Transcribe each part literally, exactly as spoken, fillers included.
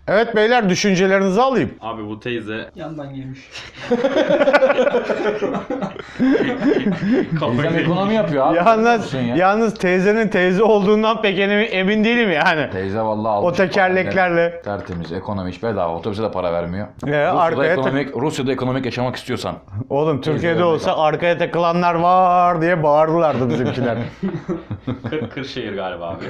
Evet beyler, düşüncelerinizi alayım. Abi bu teyze Yandan girmiş. Teyzem ekonomi yapıyor abi. Yalnız, Ya. yalnız teyzenin teyze olduğundan pek emin, emin değilim yani. Teyze vallahi O almış. tekerleklerle. Tertemiz, ekonomi hiç bedava. Otobüse de para vermiyor. Ee, Rusya'da, arkaya tak- ekonomik, Rusya'da ekonomik yaşamak istiyorsan. Oğlum Türkiye'de Teyze olsa örnek arkaya takılanlar var diye bağırdılardı bizimkiler. Kır, Kırşehir galiba abi.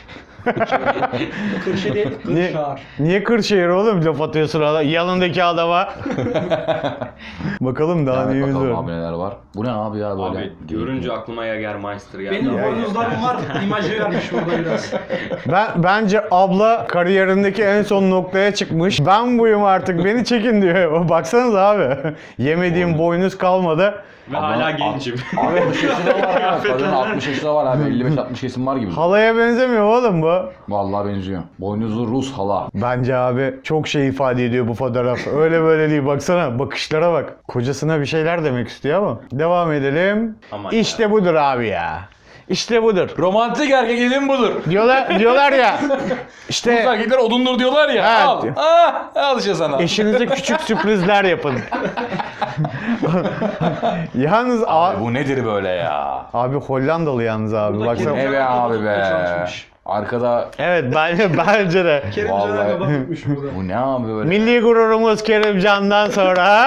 Kırşı değil, Niye, Kırşehir. niye Kırşehir oğlum laf atıyorsun adam, yanındaki adama? Bakalım daha Evet, neyimiz bakalım var. abi neler var. Bu ne abi ya böyle? Abi görünce aklıma Jägermeister geldi. Benim abi. boynuzlarım var, imajı vermiş burada biraz. Ben bence abla kariyerindeki en son noktaya çıkmış. Ben buyum artık, beni çekin diyor. Baksanıza abi. Yemediğim boynuz kalmadı. Ve Ama- hala gencim. Abi altmış yaşında var ya. Kadın altmış yaşında var abi. elli beş altmış kesim var gibi. Halaya benzemiyor oğlum bu. Vallahi benziyor. Boynuzlu Rus hala. Bence abi çok şey ifade ediyor bu fotoğraf. Öyle böyle değil, baksana bakışlara bak. Kocasına bir şeyler demek istiyor ama. Devam edelim. Aman işte ya. budur abi ya. İşte budur. Romantik erkek edin budur. Diyorlar diyorlar ya. Rus İşte erkekler odundur diyorlar ya. Evet. Al. Ah, al işte sana. eşinize küçük sürprizler yapın. Yalnız abi, Abi bu nedir böyle ya? abi Hollandalı yalnız abi. Burada Baksana. Kerim- Ne be abi be. Çalışmış. Arkada Evet bence bence de. Kerimcan'a Vallahi- kafa tutmuş burada. bu ne abi böyle? Milli gururumuz Kerimcan'dan sonra.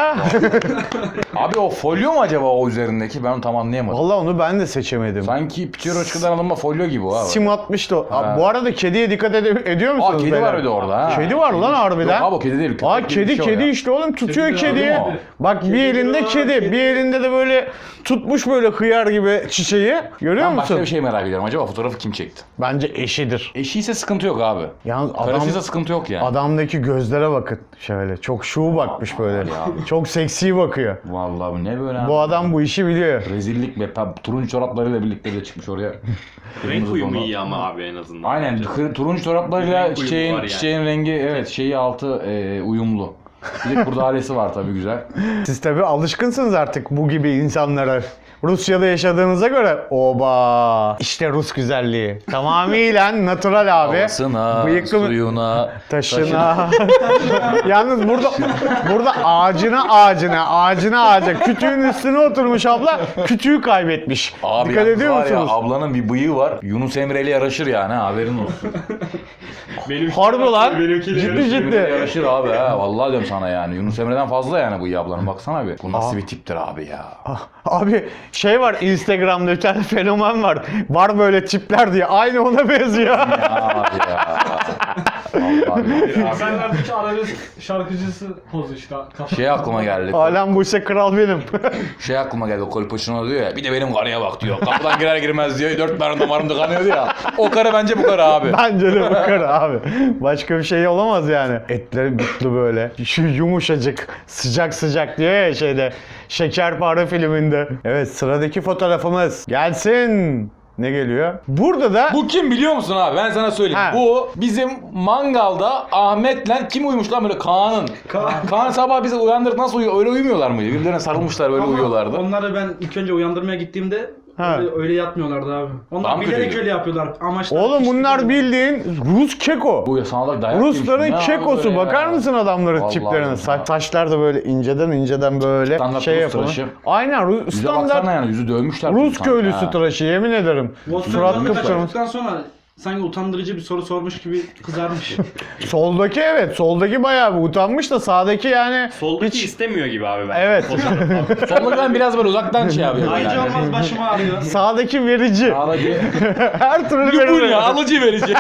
Abi o folyo mu acaba o üzerindeki? Ben onu tam anlayamadım. Vallahi onu ben de seçemedim. Sanki Piçeroçka'dan alınma folyo gibi o abi. Sim atmıştı o. Abi, Ha. bu arada kediye dikkat ede- ediyor Aa musunuz? kedi beyler? var bir de orada ha. Kedi var lan harbiden. Yok abi o kedi değil. köpek Aa gibi kedi bir şey o kedi ya. işte oğlum, tutuyor Kedi de kediyi. aldı mı? Bak bir Kedi elinde de var, kedi, kedi. bir elinde de böyle tutmuş böyle hıyar gibi çiçeği. Görüyor Ben başka musun? bir şey merak ediyorum. Acaba fotoğrafı kim çekti? Bence eşidir. Eşi ise sıkıntı yok abi. Yalnız adam, Karısıysa sıkıntı yok yani. adamdaki gözlere bakın şöyle. Çok şuğu bakmış böyle. Çok seksi bakıyor. Vallahi bu ne böyle abi? Bu adam bu işi biliyor. Rezillik be. Pem- Turuncu çoraplarıyla birlikte de çıkmış oraya. Renk Kırmızı uyumu donla. iyi ama abi en azından. Aynen. bence. kır- turuncu çoraplarıyla Renk uyumu çiçeğin, var yani. çiçeğin rengi evet şeyi altı e, uyumlu. Bir de kurdalesi var tabii güzel. Siz tabii alışkınsınız artık bu gibi insanlara. Rusya'da yaşadığınıza göre oba işte Rus güzelliği. Tamamıyla natural abi. Havasına, Bıyıklı mı- suyuna, Taşına. Yalnız burada burada ağacına ağacına ağacına ağaca kütüğün üstüne oturmuş abla, kütüğü kaybetmiş. Abi Dikkat yalnız ediyor var musunuz? ya ablanın bir bıyığı var. Yunus Emre'yle yaraşır yani ha, haberin olsun. Benim Harbi lan. benimkiyle Ciddi yarışıyor. ciddi. Emre'yle yaraşır abi ha. Vallahi diyorum sana yani. Yunus Emre'den fazla yani bıyığı ablanın. Baksana bir. Bu nasıl Aa. bir tiptir abi ya. Ah, Abi şey var, Instagram'da bir tane fenomen var. Var böyle tipler diye. Aynı ona benziyor. Abi ya. Vallahi ya. Senlerdeki arabesk şarkıcısı pozu işte. Kafa. Şey aklıma geldi. Alem bu işe kral benim. Şey aklıma geldi. Kolpaçino diyor ya. Bir de benim karıya bak diyor. Kapıdan girer girmez diyor. Dört tane damarım tıkanıyordu ya. O karı bence bu karı abi. Bence de bu karı abi. Başka bir şey olamaz yani. Etleri bitli böyle. Şu yumuşacık, sıcak sıcak diyor ya şeyde. Şekerpare filminde. Evet, sıradaki fotoğrafımız gelsin. Ne geliyor? Burada da Bu kim biliyor musun abi? Ben sana söyleyeyim. Ha. Bu bizim mangalda Ahmet'le kim uyumuş lan böyle Kaan'ın. Kaan. Kaan sabah bizi uyandırıp nasıl uyuyor? Öyle uyumuyorlar mıydı? Birbirlerine sarılmışlar böyle Ama uyuyorlardı. onları ben ilk önce uyandırmaya gittiğimde Ha. öyle, öyle yatmıyorlardı abi. Onlar Tam bilerek kötüydü. öyle yapıyorlar. Amaçları oğlum hiç bunlar değil. bildiğin Rus keko. Bu ya sana da dayak yemiş. Rusların Ne abi kekosu. böyle ya? Bakar mısın adamların Vallahi tiplerine? ya. Sa- Saçlar da böyle inceden inceden böyle Standart şey Rus yapalım. tıraşı. Aynen Rus, Yüze standart baksana yani yüzü dövmüşler. Rus sanki köylüsü ha. tıraşı, yemin ederim. Surat Surat kıpkırmızı. kaçırdıktan sonra sanki utandırıcı bir soru sormuş gibi kızarmış. Soldaki evet, soldaki bayağı bir utanmış da sağdaki yani Soldaki hiç... istemiyor gibi abi ben. Evet. Sonunda ben biraz böyle uzaktan şey yapıyorum Ayıcı yani. olmaz başıma ağrıyor. Sağdaki verici. Sağdaki Her türlü bu verici. ya alıcı verici.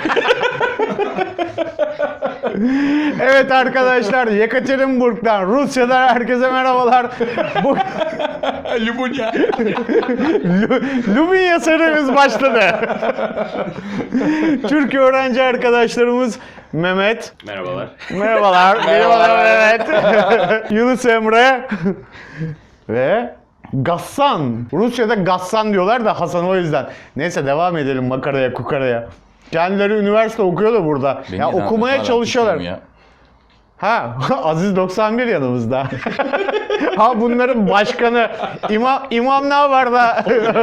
Evet arkadaşlar, Yekaterinburg'dan, Rusya'dan herkese merhabalar. Bu Lubunya. Lu- Lubinya serimiz başladı. Türk öğrenci arkadaşlarımız Mehmet. Merhabalar. Merhabalar. Merhabalar Mehmet. Yunus Emre. Ve Gassan. Rusya'da Gassan diyorlar da Hasan o yüzden. Neyse devam edelim makaraya kukaraya. Kendileri üniversite okuyor da burada. Beni ya zaten okumaya hala çalışıyorlar. küçüğüm ya. Ha, Aziz doksan bir yanımızda. Ha bunların başkanı imam imam ne var da?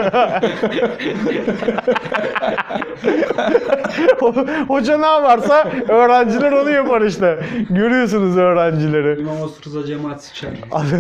Hoca ne varsa öğrenciler onu yapar işte. Görüyorsunuz öğrencileri. İmam Osurza cemaat siker.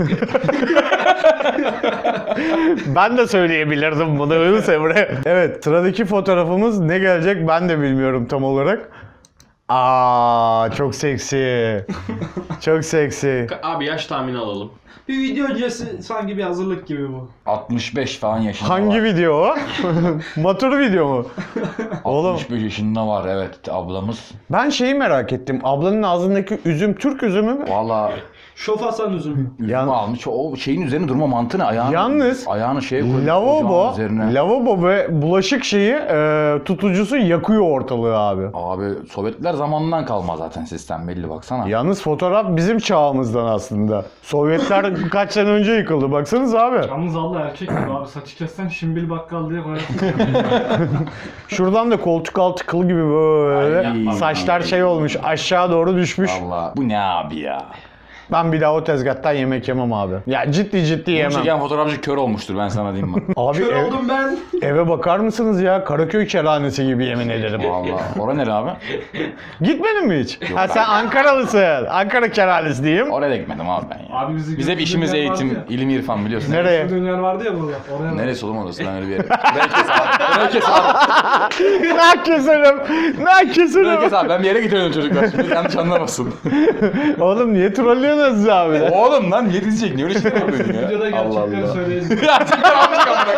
Ben de söyleyebilirdim bunu Yunus Emre. Evet, sıradaki fotoğrafımız ne gelecek ben de bilmiyorum tam olarak. Aa, çok seksi. Çok seksi. Abi yaş tahmini alalım. Bir video öncesi sanki bir hazırlık gibi bu. altmış beş falan yaşında Hangi var. video o? Matur video mu? Oğlum altmış beş yaşında var evet ablamız. ben şeyi merak ettim. Ablanın ağzındaki üzüm Türk üzümü mü? Valla Şof Hasan üzüm. üzümü Yan- almış. O şeyin üzerine durma mantığı ne? Ayağını, Yalnız ayağını şeye koymuş. Lavabo, ocağın üzerine. lavabo ve bulaşık şeyi e, tutucusu yakıyor ortalığı abi. Abi Sovyetler zamanından kalma zaten sistem belli baksana. Yalnız fotoğraf bizim çağımızdan aslında. Sovyetler kaç sene önce yıkıldı baksanız abi. Yalnız Allah erkek gibi abi saçı kessen şimbil bakkal diye koyarsın. Şuradan da koltuk altı kıl gibi böyle Ay, saçlar şey olmuş aşağı doğru düşmüş. Valla bu ne abi ya? Ben bir daha o tezgahtan yemek yemem abi. Ya ciddi ciddi Bunu yemem. çeken fotoğrafçı kör olmuştur ben sana diyeyim bak. Abi Kör ev- oldum ben. eve bakar mısınız ya? Karaköy kerhanesi gibi yemin ederim. Valla. Ora nere abi? Gitmedin mi hiç? ha ben- sen Ankaralısın. Ankara kerhanesi diyeyim. Oraya da gitmedim abi ben ya. Abi bizi Biz hep işimiz götürdüğün yer eğitim, vardı ya. ilim, irfan biliyorsun. Nereye? Dünyalar vardı ya burada. Oraya bak. Neresi oğlum orası lan öyle bir yer. Burayı kes abi. Burayı kes abi. Ne keserim? Ne Burayı keserim? kes abi. Ben bir yere getiriyorum çocuklar. Şimdi yanlış anlamasın. Oğlum niye trollüyorsunuz siz abi? Oğlum lan niye dizecek? Niye öyle şeyler yapıyorsun ya? Videoda gerçekleri söyleyeceğiz. Gerçekten almış kamera.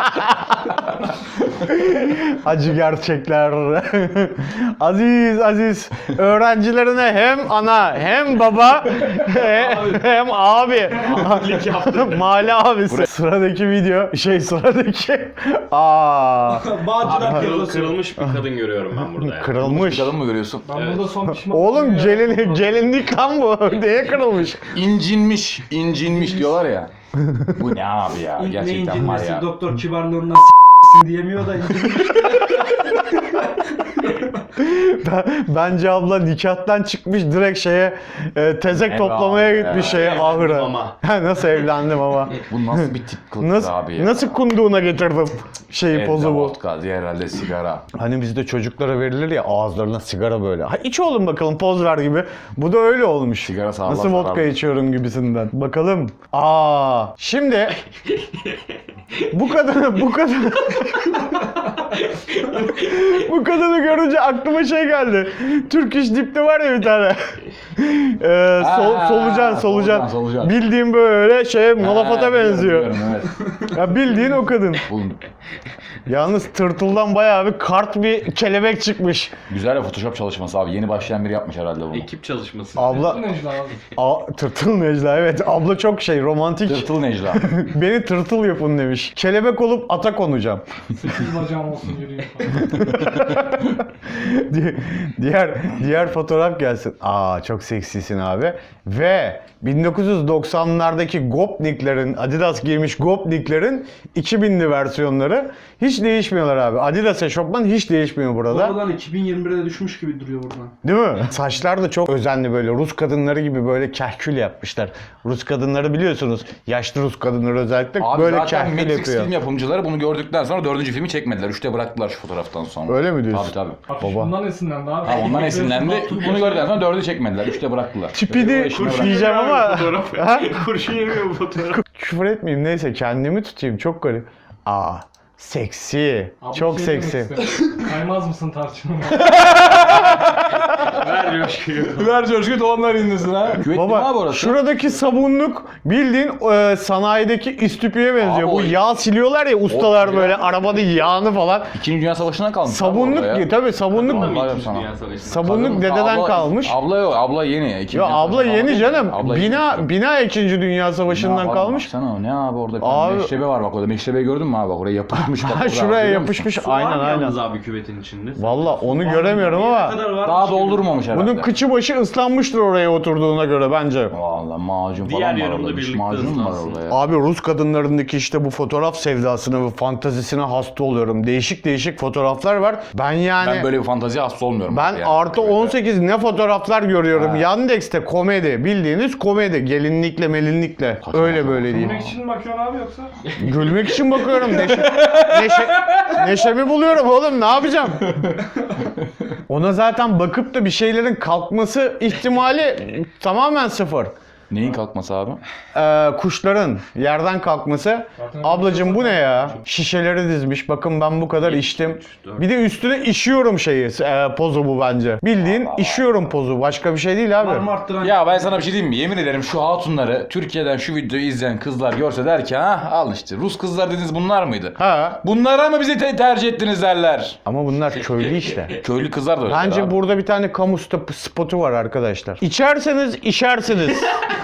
Acı gerçekler. Aziz Aziz öğrencilerine hem ana hem baba he- hem abi. Mahalle abisi. Sıradaki video şey sıradaki. Aa, Bağcılar Kırıl, yapısı. kırılmış bir kadın görüyorum ben burada ya. kırılmış. Kadın mı görüyorsun? Ben Evet. burada son pişman Oğlum ya. gelin gelinlik lan bu. Neye kırılmış? İncinmiş, incinmiş diyorlar ya. Bu ne abi ya? Ne Gerçekten var incinmesi, ya. doktor kibarlığından s**sin diyemiyor da incinmiş. Ben- Bence abla nikahtan çıkmış direkt şeye e, tezek Evet toplamaya abi, gitmiş evet. şeye Evlendim ahıra. ama. Ha, nasıl evlendim ama. Bu nasıl bir tip kılık Nasıl, abi ya? nasıl kunduğuna getirdim şeyi Evde pozu bu. vodka, diğer herhalde sigara. Hani bizde çocuklara verilir ya ağızlarına sigara böyle. Ha iç oğlum bakalım poz ver gibi. Bu da öyle olmuş. Sigara sağlam Nasıl vodka zarar. içiyorum gibisinden. Bakalım. Aa şimdi bu kadını bu kadını bu kadını görünce aklıma şey geldi. Türk İş Dip'te var ya bir tane. Ee, sol, Ha, solucan, solucan solucan, solucan. Bildiğin böyle şey Malafat'a Ha, benziyor. biliyorum, evet. Ya bildiğin o kadın. Bu Yalnız tırtıldan bayağı bir kart bir kelebek çıkmış. güzel bir Photoshop çalışması abi. Yeni başlayan biri yapmış herhalde bunu. Ekip çalışması. Abla, Necla abi. a, tırtıl Necla evet. Abla çok şey romantik. Tırtıl Necla. Beni tırtıl yapın demiş. Kelebek olup ata konacağım. Sekiz bacağım olsun yürüyeyim falan. Di- diğer diğer fotoğraf gelsin. Aa çok seksisin abi. Ve bin dokuz yüz doksanlardaki Gopnik'lerin, Adidas giymiş Gopnik'lerin iki binli versiyonları hiç değişmiyorlar abi. Adidas eşofman hiç değişmiyor burada. Oradan iki bin yirmi bire düşmüş gibi duruyor buradan. Değil mi? Saçlar da çok özenli böyle. Rus kadınları gibi böyle kahkül yapmışlar. Rus kadınları biliyorsunuz. Yaşlı Rus kadınları özellikle Abi böyle zaten kahkül Matrix yapıyor. film yapımcıları bunu gördükten sonra dördüncü filmi çekmediler. Üçte bıraktılar şu fotoğraftan sonra. Öyle mi diyorsun? Tabii tabii. Afiş Baba. bundan esinlendi abi. Ha, ondan esinlendi. Bunu gördükten sonra dördü çekmediler. Üçte bıraktılar. Tipi de Öyle o işine kurşun bırak- yiyeceğim ama Ha? Kurşun yemiyor bu fotoğraf. küfür etmeyeyim neyse kendimi tutayım çok garip. Aa seksi. Abi çok bir şey demek seksi. istedim. Kaymaz mısın tarçınım? Ver coşkuyu. Ver coşku doğanlar indirsin ha. Küvet mi abi Baba orası? şuradaki sabunluk bildiğin e, sanayideki istüpüye benziyor. Abi Bu o- yağ siliyorlar ya ustalar O- böyle arabanın yağını falan. İkinci Dünya Savaşı'ndan kalmış. abi Sabunluk orada ya. tabii sabunluk Tamam, Vallahi İkinci sana. Dünya Savaşı'nda. sabunluk Kadın- dededen abla- kalmış. Abla yok, abla yeni. İkinci Ya Dünya abla Savaşı yeni falan canım. değil. Abla bina yeni. bina ikinci Dünya Savaşı'ndan Ne var kalmış. Baksana o ne abi orada bir Abi- tane meşrebe var bak orada. Meşrebeyi gördün mü abi bak oraya yapılmış yapışmış bak. Ha, burada, şuraya görüyor musun? yapışmış. Su var Aynen mı aynen. yalnız abi küvetin içinde? Valla onu göremiyorum Ne ama kadar var? Daha doldurmamış herhalde. bunun kıçı başı ıslanmıştır oraya oturduğuna göre bence. Valla macun Diğer falan var yarımda orada. Diş birlikte macun mu var ıslansın. orada ya? Abi Rus kadınlarındaki işte bu fotoğraf sevdasına ve fantazisine hasta oluyorum. Değişik değişik fotoğraflar var. Ben yani... Ben böyle bir fantazi hasta olmuyorum. Ben yani. artı Evet. on sekiz ne fotoğraflar görüyorum. Ha. Yandex'te komedi. Bildiğiniz komedi. Gelinlikle melinlikle. Öyle böyle değil. Gülmek için mi bakıyorsun abi yoksa? Gülmek için bakıyorum. Neşe, neşe, neşemi buluyorum oğlum. Ne yapacağım? Ona zaten bakıp da bir şeylerin kalkması ihtimali tamamen sıfır. Neyin kalkması abi? Ee, kuşların yerden kalkması. Zaten Ablacım bu ne ya? Şişeleri dizmiş. Bakın ben bu kadar içtim. Bir de üstüne işiyorum şeyi. E, pozu bu bence. Bildiğin işiyorum pozu. Başka bir şey değil Var abi. mı arttıran? Ya ben sana bir şey diyeyim mi? Yemin ederim şu hatunları Türkiye'den şu videoyu izleyen kızlar görse der ki ha al işte Rus kızlar dediniz bunlar mıydı? Ha. Bunlara mı bizi te- tercih ettiniz derler. Ama bunlar köylü işte. Köylü kızlar da öyle. Bence abi. burada bir tane kamu stop- spotu var arkadaşlar. İçerseniz işersiniz.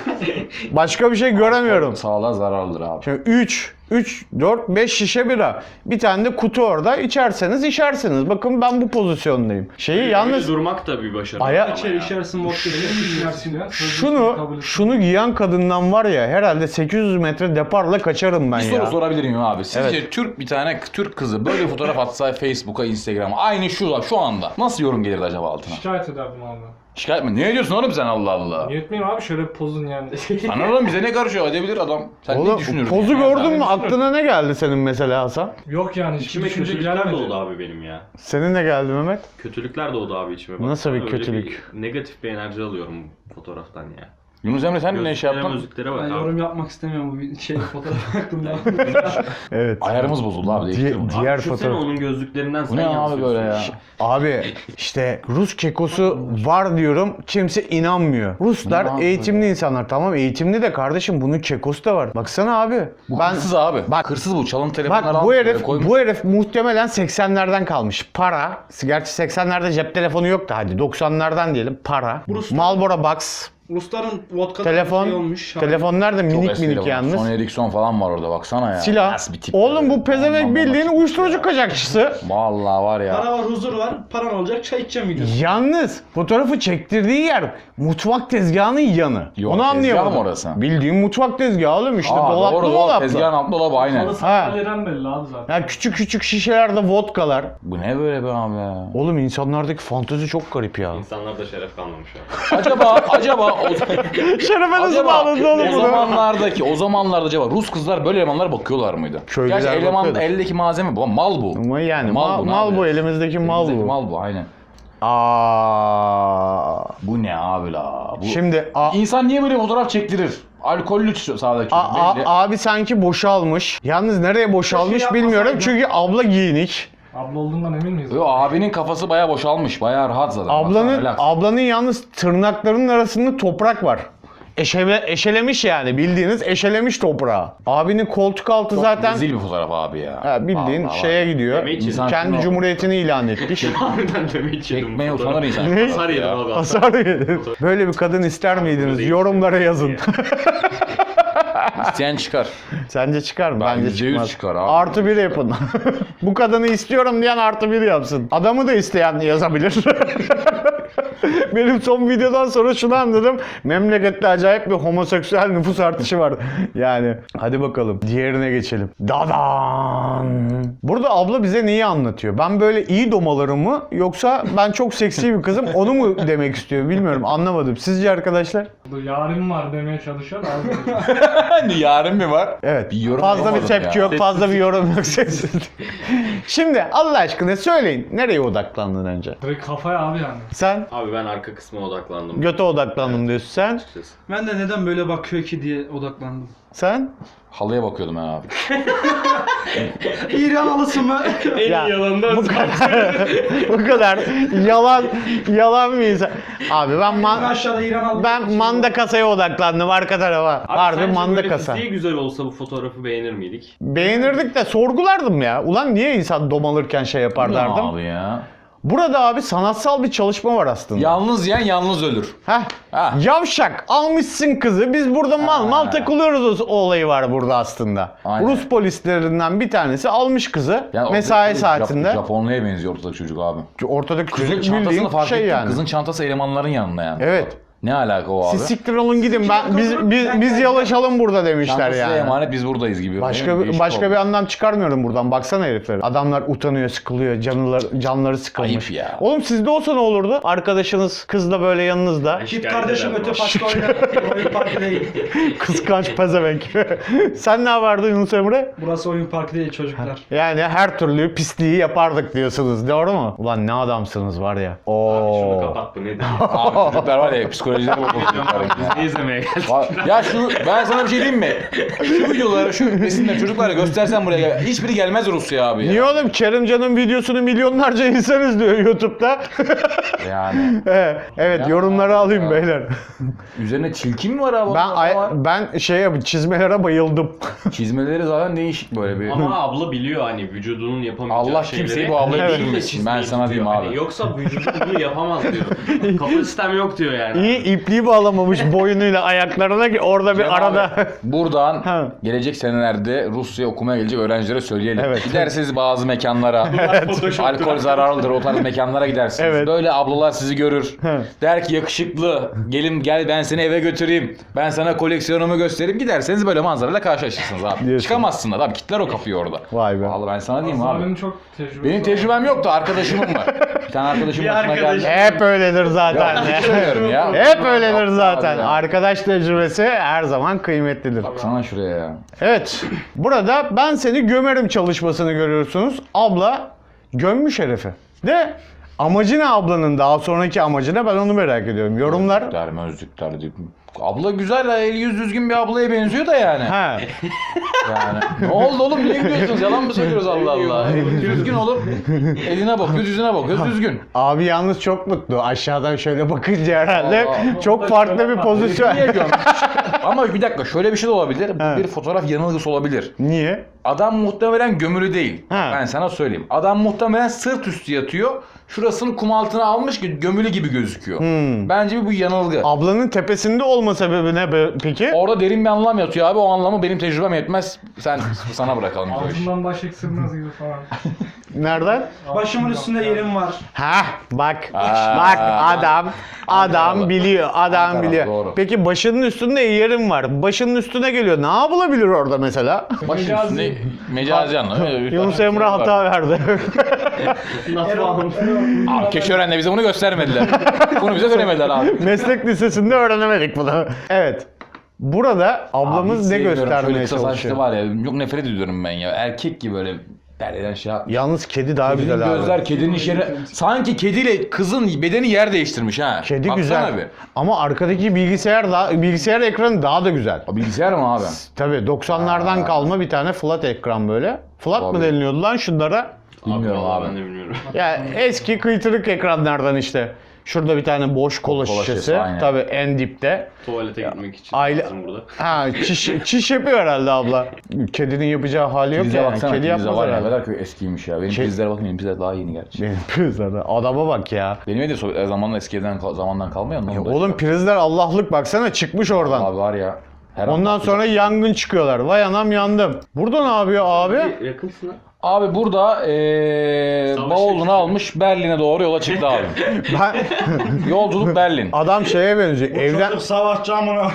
Başka bir şey göremiyorum. Sağlığa zararlıdır abi. Şimdi üç, üç, dört, beş şişe bira. Bir tane de kutu orada. İçerseniz işersiniz. Bakın ben bu pozisyondayım. Şeyi Yalnız yalnız durmak da bir başarı. Aya- ama İçer ya. içersin vodka İçersin ya. şunu şunu giyen kadından var ya herhalde sekiz yüz metre deparla kaçarım ben Bir ya. soru sorabilir miyim abi? Sizce Evet. Türk bir tane Türk kızı böyle bir fotoğraf atsa Facebook'a, Instagram'a aynı şu şu anda nasıl yorum gelirdi acaba altına? Şikayet ederdim abi. Şikayet mi? Ne ediyorsun oğlum sen Allah Allah? Niye etmeyeyim abi şöyle bir pozun yani. Ana oğlum bize ne karışıyor? Edebilir adam. Sen Oğlum ne düşünürsün? pozu yani? gördün mü? Aklına ne geldi senin mesela Hasan? Yok yani hiçbir İçime düşünce kötülükler gelmedi. doğdu abi benim ya. Senin ne geldi Mehmet? Kötülükler doğdu abi içime. Bak, Nasıl bir öyle kötülük? bir negatif bir enerji alıyorum fotoğraftan ya. Yunus Emre sen ne iş Gözlüklere yaptın? gözlüklere bak Ben abi. yorum yapmak istemiyorum bu bir şey fotoğraf hakkında. Evet. Ayarımız bozuldu abi. Di- Değiştir bunu. diğer Abi düşünsene fotoğraf. onun gözlüklerinden Bu sen ne abi yansıyorsun. böyle ya? Abi işte Rus kekosu var diyorum kimse inanmıyor. Ruslar Ne eğitimli insanlar tamam eğitimli de kardeşim bunun kekosu da var. Baksana abi. Bu ben hırsız abi. Bak- hırsız bu. Çalın telefonları Bak almış, bu böyle herif koymuş. bu herif muhtemelen seksenlerden kalmış. Para. Gerçi seksenlerde cep telefonu yoktu hadi doksanlardan diyelim. Para. Ruslar- Marlboro Box. Rusların vodka Telefon. şey olmuş. Telefonlar da Çok minik eski minik telefon. yalnız. Sony Ericsson falan var orada baksana ya. Silah. Nasıl bir tip Oğlum böyle? bu pezevenk Aman bildiğin aman. uyuşturucu kaçakçısı. Vallahi var ya. Para var, huzur var, paran olacak, çay içeceğim videosu. Yalnız fotoğrafı çektirdiği yer mutfak tezgahının yanı. Yok, Onu tezgah anlayamadım. mı orası? Bildiğin mutfak tezgahı oğlum işte Aa, dolaplı doğru, doğru. dolaplı. Tezgahın altında dolabı aynen. Halı Ha. sandalyeden belli abi zaten. Ya küçük küçük şişelerde vodkalar. Bu ne böyle be abi ya? Oğlum insanlardaki fantezi çok garip ya. İnsanlarda şeref kalmamış abi. Acaba acaba o, Şerefe nasıl acaba bağladı oğlum o bunu? zamanlardaki o zamanlarda acaba Rus kızlar böyle elemanlara bakıyorlar mıydı? Köylüler Gerçi eleman bakıyordu. eldeki malzeme bu mal bu. Ama yani Mal mal, bu, ne mal bu yapacağız? elimizdeki mal Elimizdeki bu. Mal bu aynen. Aa. Bu ne abi la? Bu... Şimdi a, İnsan niye böyle fotoğraf çektirir? Alkollü şu sağdaki. a- a- belli. abi sanki boşalmış. Yalnız nereye boşalmış Şey bilmiyorum yapmasaydın. çünkü abla giyinik. Abla olduğundan emin miyiz? Yo, abinin kafası bayağı boşalmış. Bayağı rahat zaten. Baksana, Ablanın relax. ablanın yalnız tırnaklarının arasında toprak var. Eşele, eşelemiş yani bildiğiniz eşelemiş toprağı. Abinin koltuk altı Çok zaten rezil bir fotoğraf abi ya. ha, bildiğin Vallahi şeye var. gidiyor. Yemeği için. İnsan Kendi şunu- cumhuriyetini ilan etmiş. Harbiden demek yedim. Çekmeye fotoğraf. utanır insan. Ne? Hasar yedim abi. Hasar yedi. Böyle bir kadın ister miydiniz? değil. Yorumlara yazın. İsteyen çıkar. Sence çıkar mı? Ben Bence yüzde yüz çıkmaz. çıkar abi. Artı bir yapın. Bu kadını istiyorum diyen artı bir yapsın. Adamı da isteyen yazabilir. Benim son videodan sonra şunu anladım. Memlekette acayip bir homoseksüel nüfus artışı var. Yani hadi bakalım diğerine geçelim. Dadan. Burada abla bize neyi anlatıyor? Ben böyle iyi domalarım mı yoksa ben çok seksi bir kızım onu mu demek istiyor bilmiyorum anlamadım. Sizce arkadaşlar? Bu yarın var demeye çalışıyor da abi. Hani yarın mı var? Evet. Bir yorum fazla bir yapamadım tepki ya. yok, fazla bir yorum yok. Sessiz. Şimdi Allah aşkına söyleyin. Nereye odaklandın önce? Direkt kafaya abi yani. Sen Abi ben arka kısma odaklandım. göte odaklandım diyorsun. Sen? Açıkçası. Ben de neden böyle bakıyor ki diye odaklandım. Sen? Halıya bakıyordum ben abi. İran halısı mı? En Ya, iyi yalandan bu kadar, bu kadar yalan yalan bir insan. Abi ben man, Aşağıda İran halısı. ben manda kasaya odaklandım arka tarafa. Abi Harbi sence manda böyle kasa. fiziği güzel olsa bu fotoğrafı beğenir miydik? Beğenirdik de sorgulardım ya. Ulan niye insan domalırken şey yapar derdim. Abi ya. Burada abi sanatsal bir çalışma var aslında. Yalnız yiyen yalnız ölür. Heh. Ha. Yavşak almışsın kızı. Biz burada mal Ha. mal takılıyoruz, o olayı var burada aslında. Aynen. Rus polislerinden bir tanesi almış kızı Yani mesai o- saatinde. Jap- Japonluya benziyor ortadaki çocuk abi. Ortadaki Kızın çocuk çantasını bildiğin fark şey ettim. yani. Kızın çantası elemanların yanında yani. Evet. Ne alaka o abi? Siz siktir olun gidin. Ben biz biz biz yalaşalım burada demişler Çantası yani. emanet biz buradayız gibi. Başka Değil mi? bir, Değişik başka oldu. bir anlam çıkarmıyorum buradan. Baksana herifler. Adamlar utanıyor, sıkılıyor, canları canları sıkılmış. Ayıp ya. Oğlum sizde olsa ne olurdu? Arkadaşınız kız da böyle yanınızda. Git Şikayet kardeşim ederim öte ama. parkta oyna. Oyun parkı değil. Kıskanç pezevenk. Sen ne yapardın Yunus Emre? Burası oyun parkı değil çocuklar. Yani her türlü pisliği yapardık diyorsunuz. Doğru mu? Ulan ne adamsınız var ya. Oo. Şunu kapat bu nedir? Abi çocuklar var ya psikolojileri bozuldu çocukların ya. Ne izlemeye geldik? Va- Ya şu ben sana bir şey diyeyim mi? Şu videoları şu resimleri çocuklara göstersen buraya gel. Hiçbiri gelmez Rusya abi ya. Niye oğlum? Kerimcan'ın videosunu milyonlarca insan izliyor YouTube'da. Yani. Evet, evet Ya, yorumları alayım ya. beyler. Üzerine çilki mi var abi? Ben Ondan ay- var. ben şey çizmelere bayıldım. Çizmeleri zaten değişik böyle bir. Ama abla biliyor hani vücudunun yapamayacağı Allah şeyleri. kimseyi bu ablayı Evet. düşürmesin. Ben sana diyeyim Hani abi. yoksa vücudu bunu yapamaz diyor. Kapasitem yok diyor yani. İyi ipliği bağlamamış boynuyla ayaklarına ki orada bir Cem arada. abi, buradan Ha. gelecek senelerde Rusya okumaya gelecek öğrencilere söyleyelim. Evet. Giderseniz bazı mekanlara, alkol zararlıdır o tarz mekanlara gidersiniz. Evet. Böyle ablalar sizi görür. Ha. Der ki yakışıklı, gelin gel ben seni eve götüreyim. Ben sana koleksiyonumu göstereyim. Giderseniz böyle manzarayla karşılaşırsınız abi. Diyorsun. Çıkamazsın da abi kitler o kapıyı orada. Vay be. Vallahi ben sana diyeyim Aslında abi. benim çok tecrübem Benim tecrübem yoktu, arkadaşımım var. Bir tane arkadaşım Bir başına arkadaş- geldi. Hep öyledir zaten. Ya, söylüyorum ya. Hep öyledir Abi zaten. ya. Arkadaş tecrübesi her zaman kıymetlidir. Baksana şuraya ya. Evet. Burada ben seni gömerim çalışmasını görüyorsunuz. Abla gömmüş herifi. De amacı ne ablanın? Daha sonraki amacı ne? Ben onu merak ediyorum. Yorumlar. Der özlükler diyor. Abla güzel ha, el yüz düzgün bir ablaya benziyor da yani. Ha. Yani. Ne oldu oğlum, niye gidiyorsunuz? Yalan mı söylüyoruz Allah Allah? Düzgün olup eline bakıyoruz, yüzüne bakıyoruz, düzgün. Abi yalnız çok mutlu. Aşağıdan şöyle bakınca herhalde Allah. çok farklı bir pozisyon. Niye gömmüş? Ama bir dakika şöyle bir şey de olabilir. Bu Ha. bir fotoğraf yanılgısı olabilir. Niye? Adam muhtemelen gömülü değil. Ha. Ben sana söyleyeyim. Adam muhtemelen sırt üstü yatıyor. Şurasını kum altına almış ki gömülü gibi gözüküyor. Hmm. Bence bu yanılgı. Ablanın tepesinde olma sebebi ne be- peki? Orada derin bir anlam yatıyor abi. O anlamı benim tecrübem yetmez. Sen sana bırakalım bu işi. Altından baş eksilmez gibi falan. Nereden? Başımın üstünde yerim var. Ha bak. Aa. Bak adam adam Ankaralı. biliyor. Adam Ankaralı, biliyor. doğru. Peki başının üstünde yerim var. Başının üstüne geliyor. Ne yapılabilir orada mesela? Başın üstünde mecazi anlamı. Yunus Emre hata verdi. Nasıl almış? Abi Keşören'de bize bunu göstermediler. Bunu bize söylemediler abi. Meslek lisesinde öğrenemedik bunu. Evet. Burada ablamız Abi hiç ne sevmiyorum. Şöyle göstermeye kısa saçlı çalışıyor? var ya. Çok nefret ediyorum ben ya. Erkek gibi böyle derleden şey yapmış. Yalnız kedi daha Kedinin güzel abi. gözler kedinin işleri. Sanki kediyle kızın bedeni yer değiştirmiş ha. Kedi Baksana güzel. Bir. Ama arkadaki bilgisayar daha bilgisayar ekranı daha da güzel. O bilgisayar mı abi? Tabii doksanlardan Aa. kalma bir tane flat ekran böyle. Flat mı Abi. deniliyordu lan şunlara? Bilmiyorum vallahi abi. Ben de bilmiyorum. Ya eski kıytırık ekranlardan işte. Şurada bir tane boş kola, Kola şişesi. şişesi, aynen. Tabii en dipte. Tuvalete gitmek için aile- lazım burada. Ha çiş, çiş yapıyor herhalde abla. Kedinin yapacağı hali yok Prize ya. baksana. Kedi Prize yapmaz var ya. Ne herhalde. kadar eskiymiş ya. Benim Şey- prizlere bakın. Benim prizler daha yeni gerçi. Benim prizlerde. Adama bak ya. Benim evde so- zamanla eski evden kal- zamandan kalmıyor mu? Ya oğlum prizler Allah'lık baksana çıkmış oradan. Abi var ya. Her an Ondan patlayacak. sonra yangın çıkıyorlar. Vay anam yandım. Burada ne yapıyor abi? Yakınsın ha. Abi burada ee, Savaş bavulunu geçti. almış Berlin'e doğru yola çıktı abi. Ben, Yolculuk Berlin. adam şeye benziyor. Evden Çocuk savaşçı amına.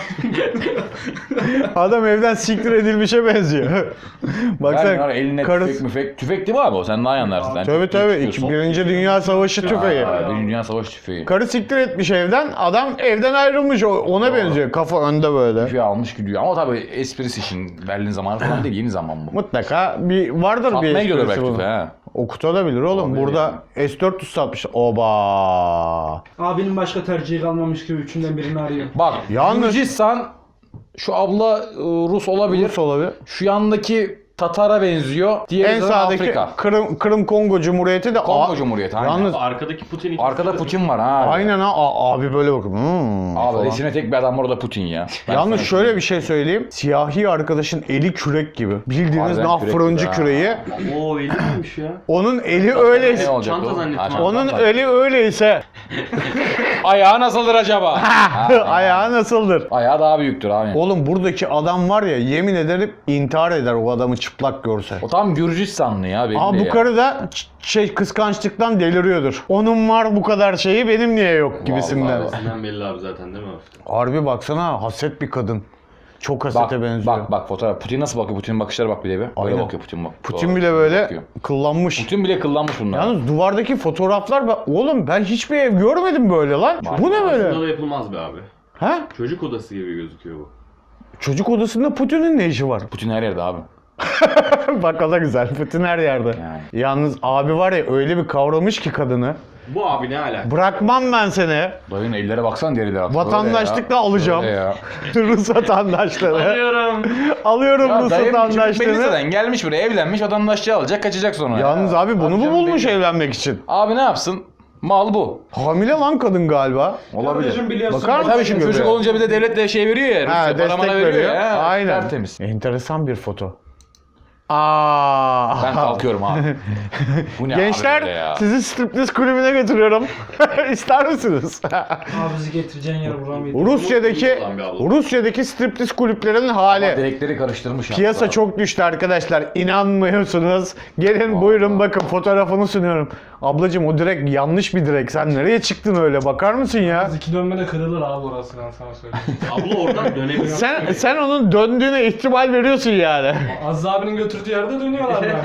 adam evden siktir edilmişe benziyor. Berlin var Baksana eline karısı. tüfek müfek. Tüfek değil mi abi o? Sen daha iyi anlarsın. Sen Tabii çok tabii. iyi İki, tutuyorsun. Birinci Dünya Savaşı tüfeği. Aa, Birinci Dünya Savaşı tüfeği. Karı siktir etmiş evden. Adam evden ayrılmış. O- Ona benziyor. Kafa önde böyle. Tüfeği almış gidiyor. Ama tabii esprisi için Berlin zamanı falan değil. Yeni zaman bu. Mutlaka bir vardır bir Satmaya gidiyorlar esprisi belki bunun. tüfeği ha. Okutabilir oğlum. Olabilir Burada yani. S dört yüz satmış. Oba. Abinin başka tercihi kalmamış gibi üçünden birini arıyor. Bak Yalnız- Gürcistan şu abla e, Rus olabilir. Rus olabilir. Şu yandaki Tatar'a benziyor. Diğeri En de sağdaki Afrika. Kırım, Kırım Kongo Cumhuriyeti de Kongo A- Cumhuriyeti aynen. Yalnız Arkadaki Putin iki Arkada Putin var ha. aynen ha A- abi böyle bakın. Hmm, Abi falan. içine tek bir adam var, o da Putin ya. Ben Yalnız sana şöyle bir şey söyleyeyim. Siyahi arkadaşın eli kürek gibi. Bildiğiniz Harbiden nah kürek fırıncı gibi ha. küreği. Oo iyi miymiş ya? Onun eli Ne öyleyse. olacak Çanta o? zannettim Ha, abi. çanta Onun var. eli öyleyse Ayağı nasıldır acaba? Ha, ayağı nasıldır? Ayağı daha büyüktür abi. O, Oğlum buradaki adam var ya yemin ederim intihar eder o adamı çıplak görse. o tam Gürcistanlı ya belli Aa bu ya. karı da ç- şey kıskançlıktan deliriyordur. Onun var bu kadar şeyi benim niye yok gibisinden. Vallahi. Senden belli abi zaten değil mi hafiften? Harbi baksana haset bir kadın. Çok Bak, hasete benziyor. bak bak fotoğraf. Putin nasıl bakıyor? Putin'in bakışlara bak bir de bir. Böyle Aynen. bakıyor Putin bak. Putin Doğru. bile böyle Bakıyor. kıllanmış. Putin bile kıllanmış bunlar. Yalnız duvardaki fotoğraflar bak oğlum ben hiçbir ev görmedim böyle lan. Bu ne böyle? Aslında da yapılmaz be abi. Ha? Çocuk odası gibi gözüküyor bu. Çocuk odasında Putin'in ne işi var? Putin her yerde abi. Bak o da güzel. Putin her yerde. Yani. Yalnız abi var ya öyle bir kavramış ki kadını. Bu abi ne alaka? Bırakmam ben seni. Dayının ellere baksana deriler. Böyle Vatandaşlıkla ya. alacağım. Böyle ya. Rus vatandaşları. Alıyorum. Alıyorum Ya Rus dayım küçük vatandaşlığını. Melisa'dan gelmiş buraya, evlenmiş, vatandaşlığı alacak, kaçacak sonra. Yalnız ya. abi bunu mu canım bulmuş benim. evlenmek için? Abi ne yapsın? Mal bu. Hamile lan kadın galiba. Olabilir. Kardeşim biliyorsun. Bakar E mısın tabii şimdi göbeğe? çocuk olunca bir de devlet de şey veriyor ya. Ha, Rusya, destek para veriyor. veriyor ya. Aynen. Tertemiz. Enteresan bir foto. Aa. Ben kalkıyorum abi. Bu ne Gençler abi böyle ya? sizi striptiz kulübüne götürüyorum. İster misiniz? Abi bizi getireceğin yer buram yedim. Rusya'daki Olan bir abla. Rusya'daki striptiz kulüplerinin hali. Direkleri karıştırmış ya. Piyasa çok düştü arkadaşlar. İnanmıyorsunuz. Gelin buyurun bakın fotoğrafını sunuyorum. Ablacım o direk yanlış bir direk. Sen nereye çıktın öyle? Bakar mısın ya? Biz iki dönmede kırılır abi orası, ben sana söyleyeyim. Abla oradan dönemiyor. Sen sen onun döndüğüne ihtimal veriyorsun yani. Aziz abinin götürdüğü yerde dönüyorlar yani.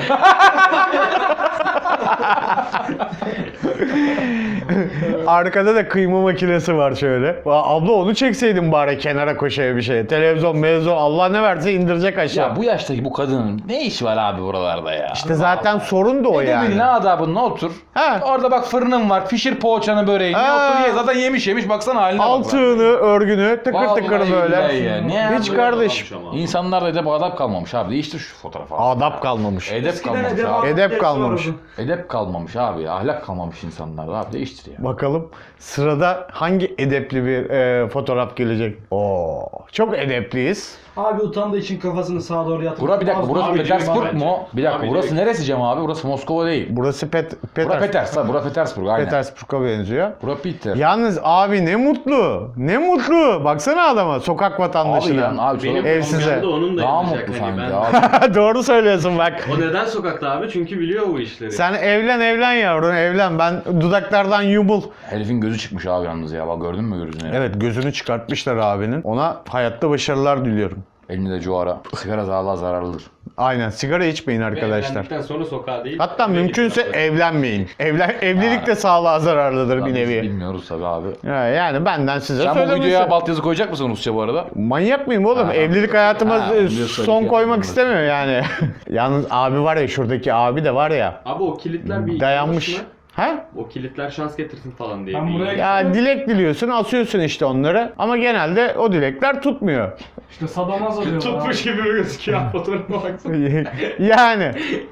Arkada da kıyma makinesi var şöyle. Aa, abla onu çekseydin bari kenara koşaya bir şey. Televizyon, mevzu Allah ne verse indirecek aşağı. Ya bu yaştaki bu kadının ne işi var abi buralarda ya? İşte zaten sorun da o Ne yani. ne adabınla otur. Ha. Orada bak fırının var. Pişir poğaçanı böreğini. Ha. Otur ye. Zaten yemiş yemiş. Baksana haline bak. Altını, örgünü tıkır Vallahi tıkır billahi böyle. ya. Ne Hiç abi? kardeş. Adammış ama. İnsanlarda edep adap kalmamış abi. Değiştir şu fotoğrafı. Adap kalmamış. Edep kalmamış edep abi. Edep kalmamış. Edep kalmamış abi ya. Ahlak kalmamış insanlarda abi. Değiştir ya. Bakalım sırada hangi edepli bir e, fotoğraf gelecek? Oo, çok edepliyiz. Abi utandığı için kafasını sağa doğru yatırdı. Bura bir dakika. Burası Abi, Petersburg bence. mu? Bir dakika. Abi, burası direkt. neresi Cem abi? Burası Moskova değil. Burası Pet Bura Peters Peters. Ha, bura Petersburg aynen. Petersburg'a benziyor. Bura Peter. Yalnız abi ne mutlu. Ne mutlu. Baksana adama sokak Abi vatandaşına. ya abi Benim çok Evsize. kamyonda onun da daha yapacak mutlu hani sanki ben. abi. Doğru söylüyorsun bak. O neden sokakta abi? Çünkü biliyor bu işleri. Sen evlen evlen yavrum evlen. Ben dudaklardan yumul. Herifin gözü çıkmış abi yalnız ya. Bak gördün mü gözünü? Evet gözünü çıkartmışlar abinin. Ona hayatta başarılar diliyorum. Elinde de cuara. Sigara sağlığa zararlıdır. Aynen sigara içmeyin Ve arkadaşlar. evlendikten sonra sokağa değil. Hatta eve mümkünse gitmek evlenmeyin. Evlen evlilik de sağlığa zararlıdır bir Lan biz nevi. bilmiyoruz tabii abi. Ya Yani benden size Sen bu söylemesi. videoya alt yazı koyacak mısın Rusça bu arada? Manyak mıyım oğlum? Ha. Evlilik hayatıma Ha, e, biliyorsun, son şey koymak yapıyorum. istemiyor yani. Yalnız abi var ya şuradaki abi de var ya. Abi o kilitler bir Dayanmış. yanlış mı? Ha? O kilitler şans getirsin falan diye. Ben bir- buraya- Ya dilek diliyorsun, asıyorsun işte onları. Ama genelde o dilekler tutmuyor. İşte sadomazo diyorlar Tutmuş abi. gibi gözüküyor fotoğrafa baksana. Yani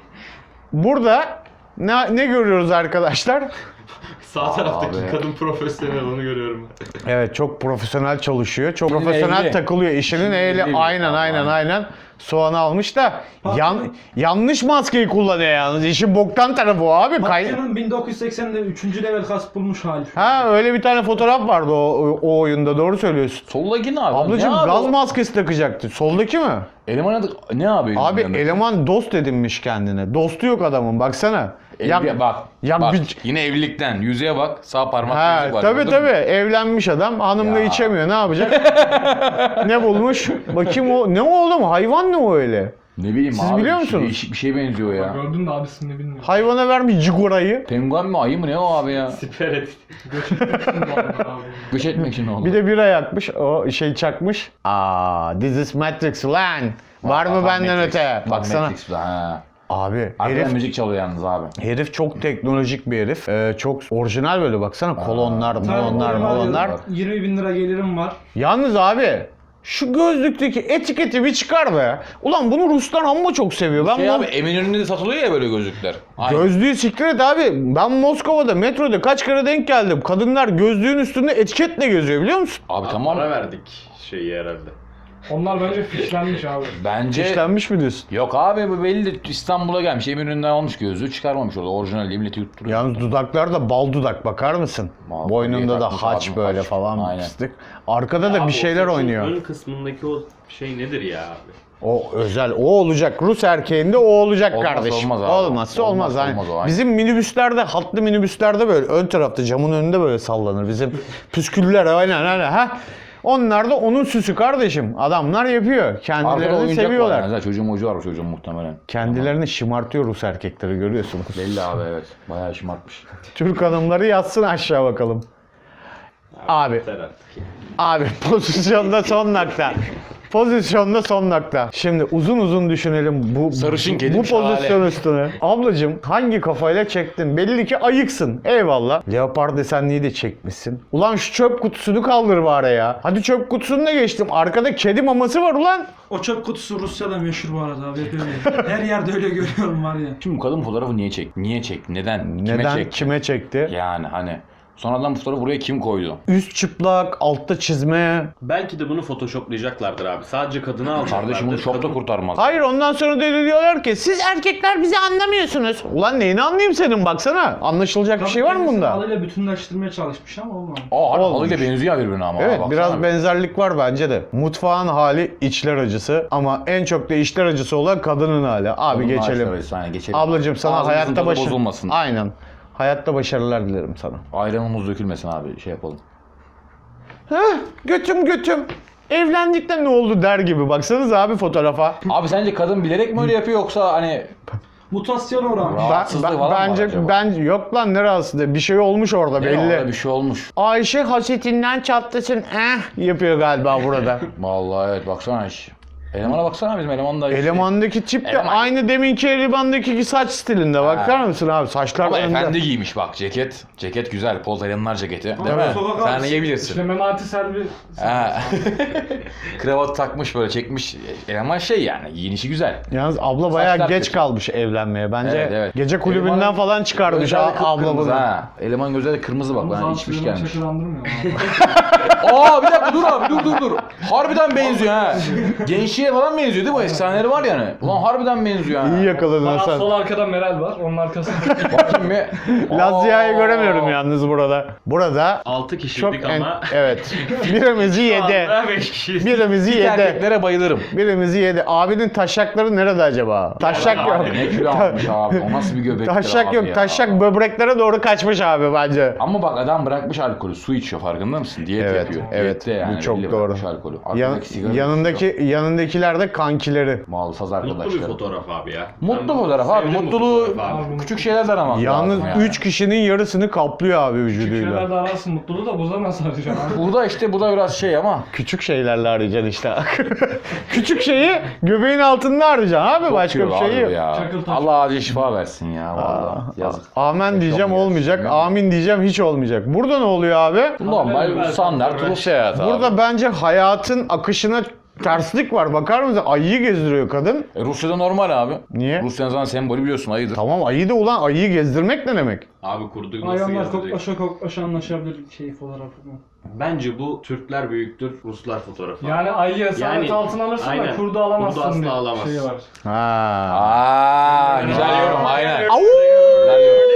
burada ne, ne görüyoruz arkadaşlar? Sağ taraftaki Abi. kadın profesyonel onu görüyorum. Evet çok profesyonel çalışıyor. Çok İşinin profesyonel ehli. takılıyor. İşinin İşinin ehli. ehli. Aynen aynen Aynen. aynen. Soğanı almış da yan, yanlış maskeyi kullanıyor yalnız. İşin boktan tarafı o abi. Kay- Makya'nın bin dokuz yüz seksende üçüncü level kas bulmuş hali. ha öyle bir tane fotoğraf vardı o, o oyunda doğru söylüyorsun. Soldaki ne abi? Ablacım ne abi gaz o? maskesi takacaktı. Soldaki mi? Eleman adı ne abi? Abi elemanın adı? eleman dost edinmiş kendine. Dostu yok adamın baksana. Evli- bak, ya bak bir- yine evlilikten yüzeye bak, sağ parmak Ha yüzük var. tabi gördün tabi mü? evlenmiş adam hanımla Ya. içemiyor ne yapacak? Ne bulmuş? Bakayım o ne o oğlum hayvan ne o öyle? Ne bileyim Siz abi. biliyor bir- musunuz? Değişik bir şey benziyor ya. Gördün de abisini bilmiyorum. Hayvana vermiş cigorayı. Penguen mi ayı mı ne o abi ya? Siper et. abi. Göç etmek için oldu. Bir de bira yakmış o şey çakmış. Aa this is Matrix lan. Var mı benden öte? Baksana. Matrix, ha. Abi Arkadan herif müzik çalıyor yalnız abi. herif çok teknolojik bir herif. Ee, çok orijinal böyle baksana kolonlar, molonlar, Tabii, molonlar. yirmi bin lira gelirim var. Yalnız abi Şu gözlükteki etiketi bir çıkar be. Ulan bunu Ruslar amma çok seviyor. Ben Şey bunu- abi Eminönü'nde de satılıyor ya böyle gözlükler. Aynen. Gözlüğü siktir et abi. Ben Moskova'da metroda kaç kere denk geldim. Kadınlar gözlüğün üstünde etiketle geziyor biliyor musun? Abi tamam. Para verdik şeyi herhalde. Onlar bence fişlenmiş abi. Bence İşlenmiş mi diyorsun? yok abi bu belli İstanbul'a gelmiş Eminönü'nden almış gözlüğü çıkarmamış orada orijinal diye milleti yutturuyor. Yalnız dudaklar da bal dudak bakar mısın? Vallahi Boynunda da takmış haç abim, böyle haç. falan Aynen. pislik. Arkada da Abi bir o şeyler saçın oynuyor. Ön kısmındaki o şey nedir ya abi? O özel, o olacak. Rus erkeğinde o olacak Olmazsa kardeşim. olmaz abi. Olmazsa olmaz. Olmazsa Hani olmaz o, aynen. bizim minibüslerde, hatlı minibüslerde böyle ön tarafta camın önünde böyle sallanır. Bizim püsküller aynen aynen. Ha? Onlar da onun süsü kardeşim. Adamlar yapıyor. Arkada Kendilerini oyuncak seviyorlar. var yani. Zaten çocuğun ucu var o çocuğun muhtemelen. Kendilerini şımartıyor Rus erkekleri görüyorsunuz. Belli abi evet. Bayağı şımartmış. Türk hanımları yatsın aşağı bakalım. Abi, Yeter artık ya. abi pozisyonda son nokta. Pozisyonda son nokta. Şimdi uzun uzun düşünelim bu Sarışın kedi bu şahane. pozisyon üstüne. Ablacığım hangi kafayla çektin? Belli ki ayıksın. Eyvallah. Leopar desenliği de çekmişsin. Ulan şu çöp kutusunu kaldır bari ya. Hadi çöp kutusunu da geçtim. Arkada kedi maması var ulan. O çöp kutusu Rusya'da meşhur bu arada abi. Hep öyle. Her yerde öyle görüyorum var ya. Şimdi bu kadın fotoğrafı niye çekti? Niye çekti? Neden? Kime Neden? çekti? Kime çekti? Yani hani sonradan bu fotoğrafı buraya kim koydu? Üst çıplak, altta çizme. Belki de bunu photoshoplayacaklardır abi. Sadece kadını alacaklardır. Kardeşim bunu şok da Kadın- kurtarmaz. Hayır ondan sonra da diyorlar ki siz erkekler bizi anlamıyorsunuz. Ulan neyini anlayayım senin baksana. Anlaşılacak bir şey var mı bunda? Halıyla bütünleştirmeye çalışmış ama olmadı. Aa harbi Olmuş. halıyla benziyor birbirine ama. Evet ha, biraz baksana. benzerlik var bence de. Mutfağın hali içler acısı ama en çok da içler acısı olan kadının hali. Abi Kadın geçelim. ağaçları, yani geçelim. Ablacığım sana Ağzımızın hayatta tadı başarı... bozulmasın. Aynen. Hayatta başarılar dilerim sana. Ayranımız dökülmesin abi şey yapalım. Heh, götüm götüm. Evlendikten ne oldu der gibi. Baksanıza abi fotoğrafa. Abi sence kadın bilerek mi öyle yapıyor yoksa hani Mutasyon uğramış. Aa, Ben, rahatsızlığı ben- falan mı var bence acaba? bence yok lan ne rahatsızlığı. Bir şey olmuş orada ne belli. orada bir şey olmuş. Ayşe hasetinden çatlasın. Eh yapıyor galiba burada. Vallahi evet baksana iş. Elemana baksana bizim eleman da. Elemandaki tip de Eleman. aynı deminki elemandaki saç stilinde. Bakar mısın abi? Saçlar Ama önde. efendi giymiş bak ceket. Ceket güzel. Poz elemanlar ceketi. Değil Ama mi? sokak Sen arası- yiyebilirsin. İşte Memati Selvi. Ha. Kravat takmış böyle çekmiş. Eleman şey yani giyinişi güzel. Yalnız abla bayağı Saçlar geç kötü. kalmış evlenmeye. Bence Evet, evet. gece kulübünden Elemanın falan çıkarmış Gözleri a- abla kıpkırmızı bunu. ha. Eleman gözleri kırmızı bak. Ben içmiş gelmiş. Şakırandırmıyor mu? Aa bir dakika dur abi dur dur dur. Harbiden benziyor ha. Gençliğe falan benziyor değil mi? O efsaneleri var yani. Ulan harbiden benziyor ha. İyi yakaladın Bana Hasan. sol arkada Meral var. Onun arkasında. Bakayım bir. Lazia'yı Aa. göremiyorum yalnız burada. Burada altı çok kişiydik en... ama Evet. Birimizi yedi. beş kişiyiz. Birimizi yedi. Erkeklere bayılırım. Birimizi yedi. Abinin taşakları nerede acaba? Taşak yok. Abi ne kilo almış abi. O nasıl bir göbektir Taşak abi yok. ya. Taşak böbreklere doğru kaçmış abi bence. Ama bak adam bırakmış alkolü. Su içiyor farkında mısın? Diyet Evet, yapıyor. evet. Diyette yani. Bu çok belli doğru. bırakmış alkolü. Yan- Arkadaki sigara yanındaki yanındakiler de kankileri. Mal saz Mutlu bir arkadaşları. fotoğraf abi ya. Mutlu Ben fotoğraf abi. sevdim bu Mutluluğu fotoğrafı abi. küçük şeylerden aramak Yalnız lazım yani. üç kişinin yarısını kaplıyor abi vücuduyla. Şeyler de arasın mutluluğu da buza nasıl arayacaksın abi? Burada işte bu da biraz şey ama. Küçük şeylerle arayacaksın işte. Küçük şeyi göbeğin altında arayacaksın abi. Başka Yok bir şey abi yok. ya. Çakıl taş. Allah acil şifa versin ya vallahi. Yazık. Amen diyeceğim Yaşam olmayacak. gelsin. Amin diyeceğim hiç olmayacak. Burada ne oluyor abi? Normal standart Rus hayatı abi. Burada bence hayatın akışına terslik var. Bakar mısın? Ayıyı gezdiriyor kadın. E, Rusya'da normal abi. Niye? Rusya'nın zaten sembolü biliyorsun ayıdır. Tamam ayı da ulan ayıyı gezdirmek ne demek? Abi kurduğu nasıl Hayvanlar gezdirecek? koklaşa koklaşa anlaşabilir şey fotoğrafı mı? Bence bu Türkler büyüktür, Ruslar fotoğrafı. Yani ayıyı esaret Yani- altına alırsın aynen. da kurdu alamazsın Kurdu asla diye alamazsın. şeyi var. Ha. Aa, güzel yorum aynen. Au! Güzel yorum.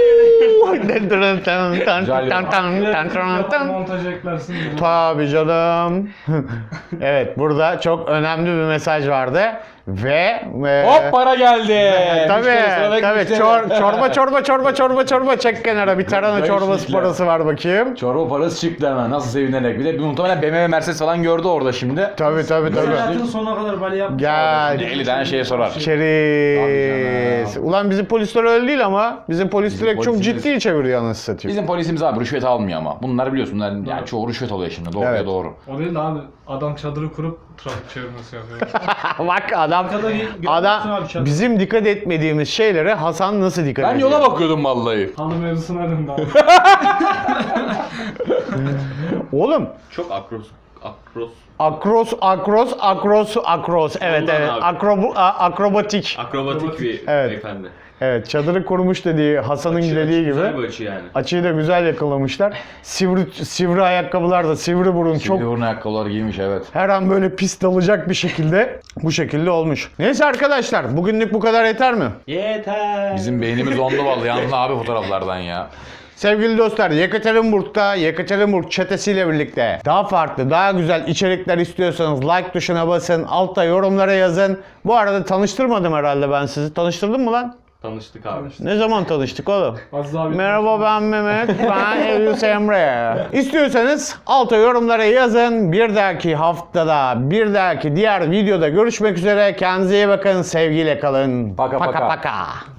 Montaj eklersin. diye. Tabii canım. Evet burada çok önemli bir mesaj vardı. Ve... e, Hop para geldi. Tabii Müşteri, sıradaki tabii müşteri. çor, çorba çorba çorba çorba çorba çek kenara bir tarhana Güzel çorbası işlikler. parası var bakayım. Çorba parası çıktı hemen. Nasıl sevinerek. Bir de bir muhtemelen B M W Mercedes falan gördü orada şimdi. Tabii tabii tabii. Hayatın sonuna kadar bali yapmış. Gel. elli tane şeye sorar. Çeriz. Tabii Ulan bizim polisler öyle değil ama. Bizim polis Bizim direkt çok polisimiz- ciddi çeviriyor anasını satayım. Bizim polisimiz abi rüşvet almıyor ama. Bunlar biliyorsun bunlar yani çoğu rüşvet alıyor şimdi. Doğruya Evet. doğru. O değil de abi adam çadırı kurup trafik çevirmesi yapıyor. Bak adam adam bizim dikkat etmediğimiz şeylere Hasan nasıl dikkat Ben ediyor? yola bakıyordum vallahi. Halı mevzusuna döndü abi. Oğlum Çok akros, Akros. Akros, akros, akros, akros. Evet Ondan evet. abi. Akrobu, a- akrobatik. Akrobatik bir Evet. beyefendi. Evet, çadırı kurmuş dediği Hasan'ın Açı- dediği açı Güzel gibi. bir açı yani. Açıyı da güzel yakalamışlar. Sivri sivri ayakkabılar da sivri burun Çok... çok Çok... ayakkabılar giymiş evet. her an böyle pis dalacak bir şekilde bu şekilde olmuş. Neyse arkadaşlar, bugünlük bu kadar yeter mi? Yeter. Bizim beynimiz ondu vallahi yalnız abi fotoğraflardan ya. Sevgili dostlar, Yekaterinburg'da Yekaterinburg çetesiyle birlikte daha farklı, daha güzel içerikler istiyorsanız like tuşuna basın, altta yorumlara yazın. Bu arada tanıştırmadım herhalde ben sizi. Tanıştırdım mı lan? Tanıştık abi. Ne zaman tanıştık oğlum? Aziz abi. Merhaba ben Mehmet, ben Eylül Emre. İstiyorsanız alta yorumlara yazın. Bir dahaki haftada, bir dahaki diğer videoda görüşmek üzere. Kendinize iyi bakın, sevgiyle kalın. Paka paka. paka.